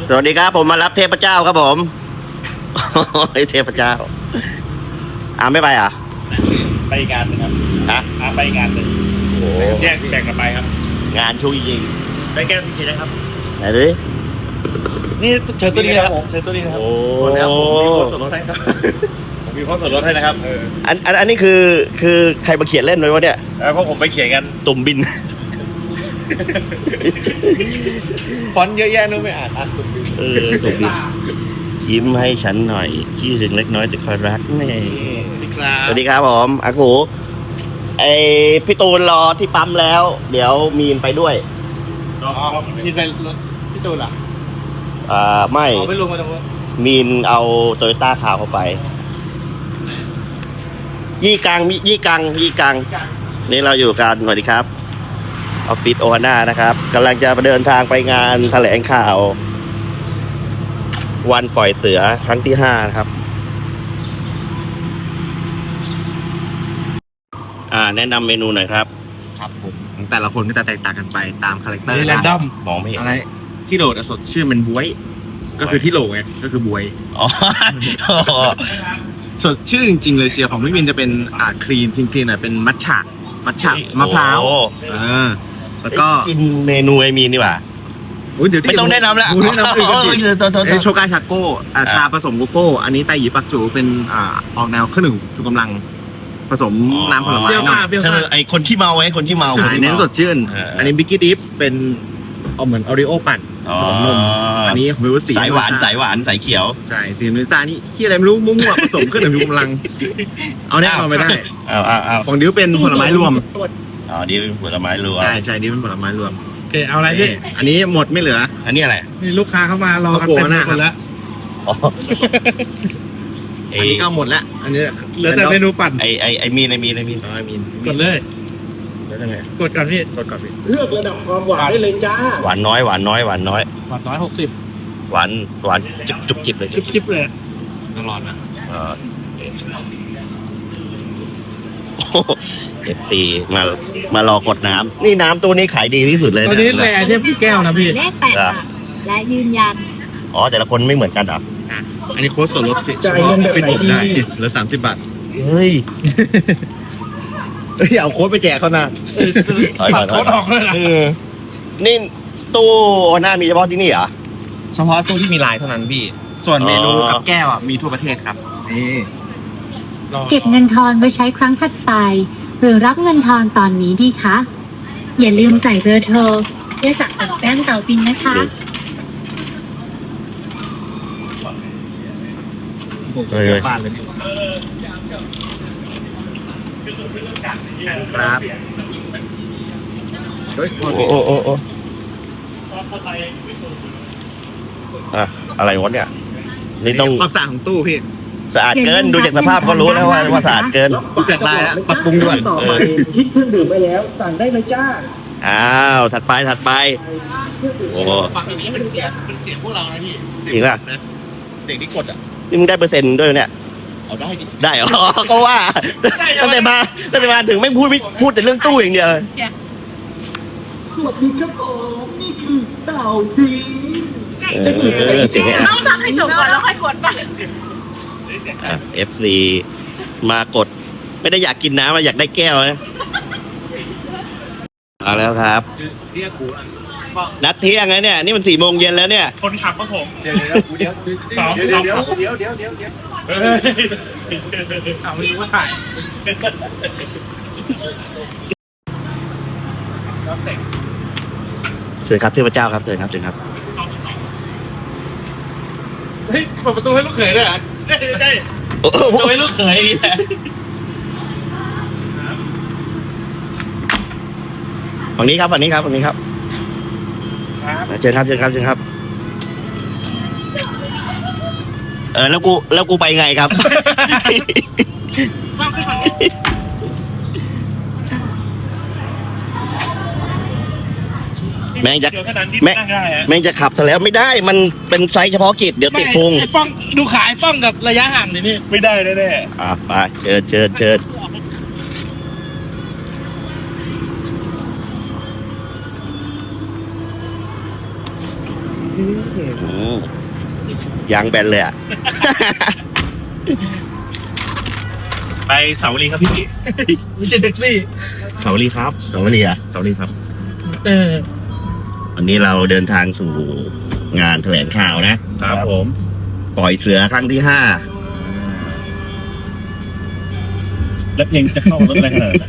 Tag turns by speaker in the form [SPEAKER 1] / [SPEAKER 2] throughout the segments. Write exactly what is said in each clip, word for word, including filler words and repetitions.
[SPEAKER 1] สวัสดีครับผมมารับเทพเจ้าครับผมเทพเจ้าอ่าไม่ไปอ่ะ
[SPEAKER 2] ไปงานหนึ่งครับ
[SPEAKER 1] ฮะ
[SPEAKER 2] อ่าไปงานหนึ่งโอ้แยกแบ่งกันไปครับ
[SPEAKER 1] งานช่วยยิง
[SPEAKER 2] ได้แก้วสีเขียวนะครับ
[SPEAKER 1] ไหนดิ
[SPEAKER 2] นี่เชิญตัวนี้นะครับเชิญตัวนี้นะครับ
[SPEAKER 1] โอ้
[SPEAKER 2] แล้วผมมีโค้ดส่วนลดให้ครับผมมีโค้ดส่วนลดให้นะครับเออ
[SPEAKER 1] อันอันอันนี้คือคือใครมาเขียนเล่นไว้วะเนี่ย
[SPEAKER 2] เพราะผมไปเขียนกัน
[SPEAKER 1] ตุ่มบิน
[SPEAKER 2] ฟอนต์เยอะแยะนู้นไม่อ่านอ่ะตุ่มบิน
[SPEAKER 1] เออตุ่มบินยิ้มให้ฉันหน่อยขี้ถึงเล็กน้อยจะคอยรักแม่สวัสดีครับผมอากูไอพี่ตูนรอที่ปั๊มแล้วเดี๋ยวมีนไปด้วย
[SPEAKER 2] อ๋อมีนไปรถพี่ตูนเหรอ
[SPEAKER 1] อ่าไม่
[SPEAKER 2] ไม่ลงมาตรงนู้น
[SPEAKER 1] มีนเอาโตโยต้าขาวเข้าไปยี่กังยี่กังยี่กังนี่เราอยู่กันสวัสดีครับออฟฟิศโอฮาน่านะครับกำลังจะเดินทางไปงานแถลงข่าววันปล่อยเสือครั้งที่ห้านะครับอ่าแนะนำเมนูหน่อยครับ
[SPEAKER 3] ครับผมแต่ละคนก็จะแตกต่างกันไปตามคาแรคเตอร์
[SPEAKER 2] แรนดอม
[SPEAKER 1] มองไม่เห็น
[SPEAKER 3] อะไรที่โหลดสดชื่อมันบวยก็คือที่โหลไงก็คือบวย
[SPEAKER 1] อ๋อ
[SPEAKER 3] สดชื่อจริงๆเลยเชียร์ของพี่วินจะเป็นอ่าคลีนคลีนคลีนอ่ะเป็นมัทฉะมัทฉะมะพร้าวอ่าแล้วก็
[SPEAKER 1] กินเมนูไอมีนนี่หว่าไม่ต้องแนะนำแล้ว
[SPEAKER 3] แนะนำคือโชกาชาโก้ชาผสมโกโก้อันนี้ไตหยีปักจูเป็นอ่าออกแนวเครื่องดื่มชูกำลังผสมน้ำผลไม้หน่อย
[SPEAKER 1] ไอคนที่เมาไว้คนที่เมา
[SPEAKER 3] เน้นสดชื่นอันนี้บิกกี้ดิฟเป็นเอาเหมือนออริโอปั่นผสมนมอันนี้ผมรู้สี
[SPEAKER 1] สายหวานสายหวานสายเขียว
[SPEAKER 3] ใช่สีมิซ่านี่ที่อะไรไม่รู้มั่วๆผสมเครื่องดื่มชูกำลังเอาแน่นอนไม่ได้
[SPEAKER 1] เอาเอาเอา
[SPEAKER 3] ของดิวเป็นผลไม้รวม
[SPEAKER 1] อ๋อดิวเป็นผลไม้รวม
[SPEAKER 3] ใช่ใช่ดิวเป็นผลไม้รวม
[SPEAKER 2] โอเคเอาอะไรพี่
[SPEAKER 3] อันนี้หมดไม่เหลือ
[SPEAKER 1] อันนี้อะไร
[SPEAKER 2] นี่ลูกค้าเข้ามารอกันเต็มหมดแล้ว
[SPEAKER 3] อันนี้ก็หมดแล้วอันนี้
[SPEAKER 2] เหลือแต่เมนูปั่น
[SPEAKER 1] ไอไอไอมีนไอมีนไอมีน
[SPEAKER 3] ไอมีน
[SPEAKER 2] กดเลย
[SPEAKER 3] แล้วยังไง
[SPEAKER 2] กดก่อนพี่
[SPEAKER 3] กดก่อนพี่
[SPEAKER 2] เลือกระดับความหวานได้เลยจ้า
[SPEAKER 1] หวานน้อยหวานน้อยหวานน้อย
[SPEAKER 2] หวานน้อยหกสิบ
[SPEAKER 1] หวานหวานจุบจุบจิบเลย
[SPEAKER 2] จุบจิบเลย
[SPEAKER 3] ต้องร้อนนะ
[SPEAKER 1] เออเอฟซีมามารอกดน้ำนี่น้ำตัวนี้ขายดีที่สุดเลย
[SPEAKER 2] ตัวนี้แร่เทียบแก้วนะพี่
[SPEAKER 4] เลขแปดค่ะและยืนยัน
[SPEAKER 1] อ๋อแต่ละคนไม่เหมือนกันเหรอ
[SPEAKER 3] อันนี้โค้ดส่วนลดเฉพาะฟิตผมได้เหลือสามสิบบาท
[SPEAKER 1] เฮ้ย
[SPEAKER 3] เฮ้ยเอาโค้ดไปแจกเขานะ
[SPEAKER 2] ถอยก่อนโค้ดออกเลยนะ
[SPEAKER 1] นี่ตู้หน้ามีเฉพาะที่นี่เหรอ
[SPEAKER 3] เฉพาะตู้ที่มีลายเท่านั้นพี่ส่วนเมนูกับแก้วอ่ะมีทั่วประเทศครับนี่
[SPEAKER 4] เก็บเงินทอนไว้ใช้ครั้งถัดไปหรือรับเงินทอนตอนนี้ดีคะอย่าลืมใส่เบอร์โทรเพื่อสั่งแป้งเต่าบินนะคะ
[SPEAKER 3] เฮ้ยบ้านเลยครับเฮ้ยโอ้
[SPEAKER 1] โอ้โอ้โอ้อะอะไรวะเนี่ยนี่ต้อง
[SPEAKER 3] ความสะอาดของตู้พี่
[SPEAKER 1] สะอาดเกินดูจากสภาพก็รู้แล้วว่าว่าสะอาดเกิน
[SPEAKER 3] ดูจากลายแล้วปรับปรุงด่วน
[SPEAKER 2] คิดเครื่องดื่มไปแล้วสั่งได้เลยจ้า
[SPEAKER 1] อ้าวถัดไปถัดไปโอ้
[SPEAKER 3] ฝั่งนี้เป็นเสียงเป็นเสียงพวกเรานะพี่
[SPEAKER 1] จริงป่ะ
[SPEAKER 3] เสียงที่กดอ่ะ
[SPEAKER 1] นี่มึงได้เปอร์เซ็นต์ด้วยเนี่ย
[SPEAKER 3] เอาได้ดิ
[SPEAKER 1] ได้เหรอก็ว่าตั้งแต่มาตั้งแต่มาถึงไม่พูดไม่พูดแต่เรื่องตู้อย่างเดียว
[SPEAKER 2] สวัสดีครับผมนี่คือเต่าบิน
[SPEAKER 1] เสียง
[SPEAKER 4] ต้องฟังให้จบก่อนแล้วค่อยกดไป
[SPEAKER 1] เอฟซีมากดไม่ได้อยากกินน้ำมาอยากได้แก้วนะเอาแล้วครับนัดเที่ยงไงเนี่ยนี่มันสี่โมงเย็นแล้วเนี่ย
[SPEAKER 2] คนขับก็ผมเดี๋ยวเดี๋ยวเดี๋ยวเดี๋ยวเดี๋ยวเดี๋ยวเดี๋ยวเดี๋ยวเดี๋ยวเอาไม่รู้ว่าถ่าย
[SPEAKER 1] เชิญครับเทพเจ้าครับเชิญครับเชิญครับ
[SPEAKER 2] เฮ้ยเปิดประตูให้ลูกเขยด้วยเหรอได้ได้ประตูให้ลูกเขย
[SPEAKER 1] ฝั่งนี้ครับฝั่งนี้ครับฝั่งนี้ครับเชิญครับเชิญครับเชิญครับเออแล้วกูแล้วกูไปไงครับแม่งจะแม่งแม่งจะขับซะแล้วไม่ได้มันเป็นไซส์เฉพาะกิจเดี๋ยวติดพุง
[SPEAKER 2] ป้องดูขายป้องกับระยะห่างนี่นี่ไม่ได้แน่
[SPEAKER 1] ๆอ่ะไปเชิญเชิญเชิญอืมยางแบนเลยอ่ะ
[SPEAKER 3] ไปเสาวรีครับพี่ไม่ใช่แท็กซี่เสาวรีครับ
[SPEAKER 1] สวัสดีอ่ะ
[SPEAKER 3] เสาวรีครับ
[SPEAKER 2] เออ
[SPEAKER 1] วันนี้เราเดินทางสู่งานแถลงข่าวนะ
[SPEAKER 3] ครับผม
[SPEAKER 1] ปล่อยเสือครั้งที่ห้า
[SPEAKER 3] แล้วเพลงจะเข้ารถอะไรขนาดนั้น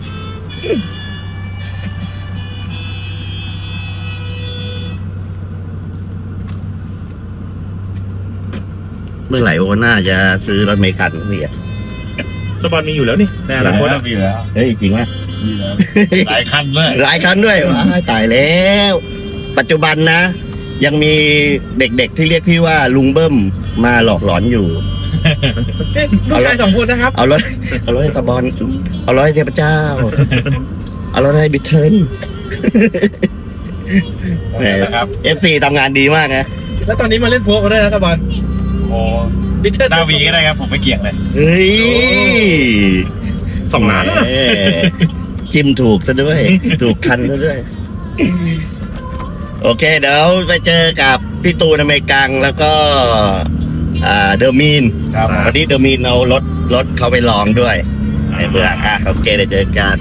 [SPEAKER 1] เมื่อไหร่โอน่าจะซื้อรถเมล์คันนี่อ่ะ
[SPEAKER 3] สปอนมีอยู่แล้วนี่แต่ละคนมีแล้ว
[SPEAKER 1] เฮ้ยจริงไหม
[SPEAKER 3] มีแล้วหลายคันเลย
[SPEAKER 1] หลายคันด้วยว้ายตายแล้ว ปัจจุบันนะ ยังมีเด็กๆที่เรียกพี่ว่าลุงเบิ้มมาหลอกหลอนอยู่
[SPEAKER 3] ลูกชายสองคนนะครับ
[SPEAKER 1] เอารถเอารถให้สปอน เอารถให้เทพเจ้า เอารถให้บิทเทิล
[SPEAKER 3] นะครับ
[SPEAKER 1] เอฟซีทำงานดีมากนะ
[SPEAKER 2] แล้วตอนนี้มาเล่นโฟกันด้วยนะสบอน
[SPEAKER 3] โอ้
[SPEAKER 2] บิทเทิล
[SPEAKER 3] ดาวีก็ได้ครับผมไม่เกี่ยงเลย
[SPEAKER 1] เฮ้ย
[SPEAKER 3] สองล้าน
[SPEAKER 1] แหมจิ้มถูกซะด้วย ถูกคันซะด้วย โอเค เดี๋ยวไปเจอกับพี่ตูนอเมริกังแล้วก็ อ่าเดอร์มีน
[SPEAKER 3] ครับ
[SPEAKER 1] วันนี้เดอร์มีนเอารถรถเขาไปลองด้วยในเบื่ออ่ะโอเคเดี๋ยวเจอกัน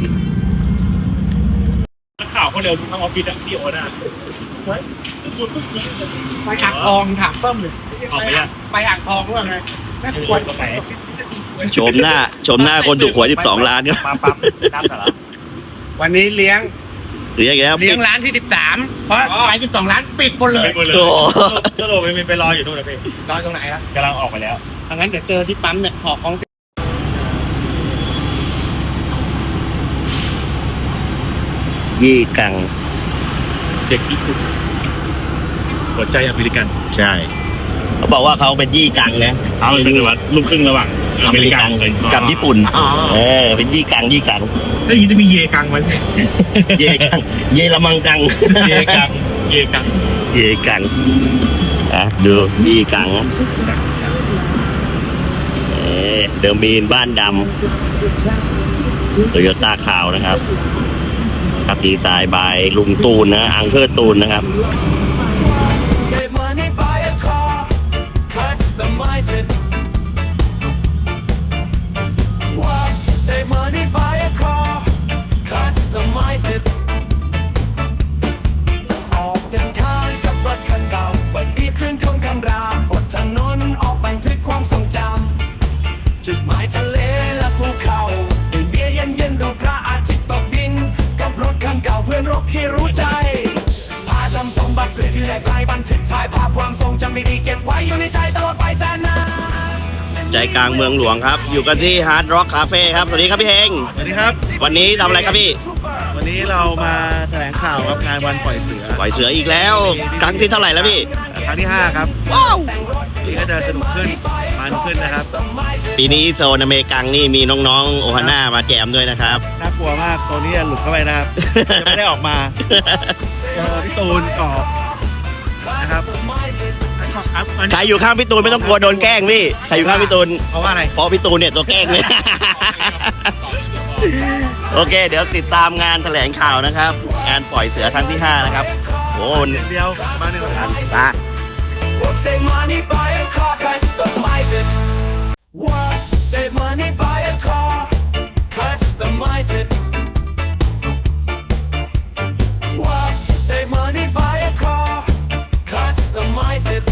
[SPEAKER 3] นักข่าวคนเร็วทั้งออฟฟิศอะพี่โอน่ะ
[SPEAKER 2] ไปอ่างทองถามเพิ่มเลย
[SPEAKER 3] ออกไปยัง
[SPEAKER 2] ไปอ่างทองด้วยไงแม่ควร
[SPEAKER 3] ตรงไหน
[SPEAKER 1] ชมหน้า ชมหน้าคนถูกหวยสิบสองล้านครับ
[SPEAKER 3] ปั๊บปั๊บน้ำสาระ
[SPEAKER 2] วันนี้เลี้ยง
[SPEAKER 1] หรือยังไงครับ
[SPEAKER 2] เลี้ยงร้านที่สิบสามเพราะขายสิบสองร้านปิดหมดเลย
[SPEAKER 3] ไปหมดเลย
[SPEAKER 1] โอ้
[SPEAKER 3] เจ้าโลไปไปรออยู่นู่นนะพี่
[SPEAKER 2] รอตรงไหนล่ะ
[SPEAKER 3] กำลังออกไปแล้ว
[SPEAKER 2] ถ้างั้นเดี๋ยวเจอที่ปั๊มเนี่ยหอของ
[SPEAKER 1] ยี่กัง
[SPEAKER 3] เด็กญี่ปุ่นหัวใจอเมริกัน
[SPEAKER 1] ใช่เขาบอกว่าเขาเป็นยี่กังนะ
[SPEAKER 3] เอาเป็นว่าลูกครึ่งระหว่าง
[SPEAKER 1] อเมริกันกับญี่ปุ่น
[SPEAKER 3] อ๋อ
[SPEAKER 1] เออเป็นยี่กังยี่กัง
[SPEAKER 3] แล้วอย่างนี้จะมีเยกังไหม
[SPEAKER 1] เยกัง เยละมังกัง
[SPEAKER 3] เยกังเยกัง
[SPEAKER 1] เยกังอ่ะดูยี่กังเออเดอร์มีนบ้านดำโตโยต้าขาวนะครับครับดีไซน์บายลุงตูนนะ อังเคอร์ตูนนะครับ
[SPEAKER 5] Save money, buy a car, customize it. What? Save money, buy a car, customize it. ออกเดินทางกับรถคันเก่าเปิดปีเครื่องทนคำรามบนถนนออกบันทึกความทรงจำจุดหมายทะเลและภูเขาดื่มเบียร์เย็นๆดูพระอาทิตย์ตกดินกับรถคันเก่าเพื่อนรบที่รู้ใจ พาชมสมบัติเกิดที่แหลกลายบันทึกถ่ายภาพความทรงจำดีๆเก็บไว้อยู่ในใจตลอดไปแสนนาน
[SPEAKER 1] ใจกลางเมืองหลวงครับ อยู่กันที่ฮาร์ดร็อกคาเฟ่ครับ สวัสดีครับพี่เฮง
[SPEAKER 3] สวัสดีครับ
[SPEAKER 1] วันนี้ทำอะไรครับพี่
[SPEAKER 3] วันนี้เรามาแถลงข่าวครับงานวันปล่อยเสือ
[SPEAKER 1] ปล่อยเสืออีกแล้ว ครั้งที่เท่าไหร่แล้วพี่
[SPEAKER 3] ครั้งที่ห้าครับ
[SPEAKER 1] ว้าว
[SPEAKER 3] นี่ก็จะสนุกขึ้นมันขึ้นนะครับ
[SPEAKER 1] ปีนี้โซนอเมริกังนี่มีน้องๆ โอฮาน่ามาแจมด้วยนะครับ
[SPEAKER 3] น่ากลัวมากตัวนี้หลุดเข้าไปนะครับ จะไม่ได้ออกมาเจอพี่ตูนกรอบนะครับ
[SPEAKER 1] ใครอยู่ข้างพี่ตูนไม่ต้องกลัวโดนแกล้งพี่ ใครอยู่ข้างพี่ตูน
[SPEAKER 3] เพราะว่าอะไร
[SPEAKER 1] เพราะพี่ตูนเนี่ยตัวแกล้งเนี่ย โอเค เดี๋ยวติดตามงานแถลงข่าวนะครับ งานปล่อยเสือครั้งที่ห้านะครับ โอ้โห
[SPEAKER 3] เดียวมาหนึ่งพัน
[SPEAKER 1] ตา
[SPEAKER 5] What? Save money, buy a car, customize it. What? Save money, buy a car, customize it. What? Save money, buy a car, customize it.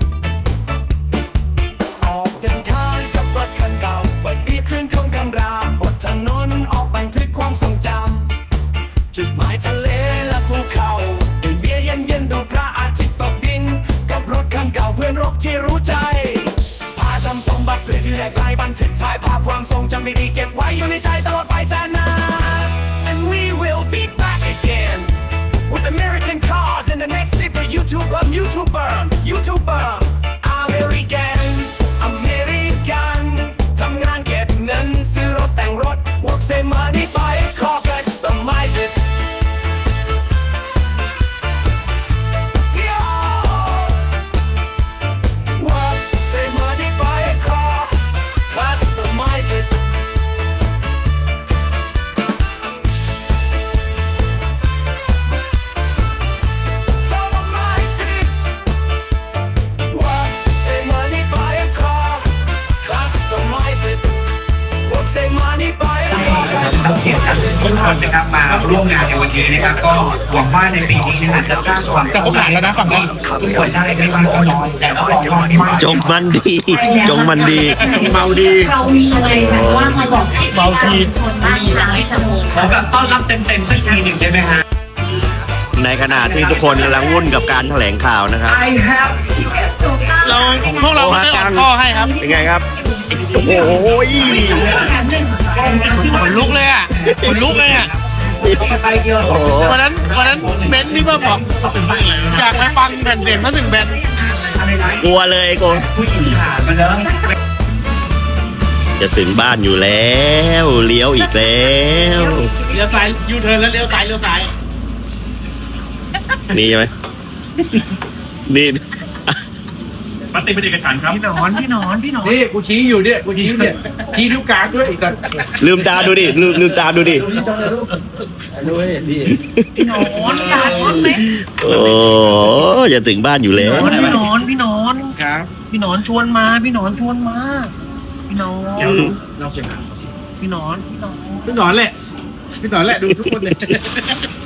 [SPEAKER 5] ออกเดินทางกับรถคันเก่าเปิดปีเครื่องทนคำรามบนถนนออกบันทึกความทรงจำจุดหมายทะเลและภูเขาดื่มเบียร์เย็นๆดูพระอาทิตย์ตกดินกับรถคันเก่าเพื่อนรบที่รู้ใจ พาชมสมบัติเกิดที่แหลกลายบันทึกถ่ายภาพความทรงจำดีๆเก็บไว้อยู่ในใจตลอดไปแสนนาน And we will be back again with American cars in the next super YouTuber YouTuber YouTuber American American ทำงานเก็บเงินซื้อรถแต่งรถ Work save money buy a car customize it What? Save money, buy a car, customize it. Customize it.
[SPEAKER 6] นักเขียนจากทุกคนนะครับมาร่วมงานในวันนี้นะครับก็หวังว่าในปีนี้นะครับจะสร้างความ
[SPEAKER 3] จะครบหลานแล้วนะฝั่งนั้น
[SPEAKER 6] ทุกคนได้ไม่มากก็น้อยแต่ก็บอกว่าไม่มาก
[SPEAKER 1] จงมันดี จงมันดี
[SPEAKER 3] เมาดี
[SPEAKER 4] เรามีอะไรแบบว่ามาบอกให้
[SPEAKER 3] เมาที
[SPEAKER 4] ชนบ้านทางให้สมุน
[SPEAKER 6] ขอแบบต้อนรับเต็มๆสักทีหนึ่งได้ไหมฮะ
[SPEAKER 1] ในขณะที่ทุกคนกำลังวุ่นกับการแถลงข่าวนะครับ
[SPEAKER 6] I have ticket
[SPEAKER 3] เราพวกเราไม่ได้ออกข้อให้ครับ
[SPEAKER 1] เป็นไงครับ โอ้โห
[SPEAKER 3] ขนลุกเลยอ่ะขนลุกเลยอ่ะ
[SPEAKER 6] ไปเดียว
[SPEAKER 1] โอ้โห
[SPEAKER 3] วันนั้นวันนั้นเบนซ์นี่มาบอกอยากไปฟังแผ่นเสียงมาถึงแบนด์
[SPEAKER 1] กลัวเลยกู
[SPEAKER 6] ผู้หญิงผ่านมาแล้ว
[SPEAKER 1] จะถึงบ้านอยู่แล้ว เลี้ยวอีกแล้ว
[SPEAKER 3] เลี้ยวซ้ายยูเทิร์นแล้วเลี้ยวซ้ายเลี้ยวซ้าย
[SPEAKER 1] นี่ใช่ไหมนี่
[SPEAKER 3] ปฏิบัติเอกฉันท์ครับ
[SPEAKER 6] พี่หนอนพี่หนอนพี่หนอน
[SPEAKER 3] นี่กูชี้อยู่เนี่ยกูชี้เนี่ยชี้นิ้วกลางด้วยอีกแต่
[SPEAKER 1] ลืมตาดูดิ ลืมลืมตาดูดิ
[SPEAKER 6] พี่หนอนอยากพูดไหม
[SPEAKER 1] โอ้จะถึงบ้านอยู่แล้ว
[SPEAKER 6] พี่หนอนพี่หนอน
[SPEAKER 3] ครับ
[SPEAKER 6] พี่หนอนชวนมาพี่หนอนชวนมาพี่หนอน
[SPEAKER 3] เราเขียน
[SPEAKER 6] พี่หนอนพี่หนอน
[SPEAKER 3] พี่หนอนแหละพี่หนอนแหละดูทุกคนเลย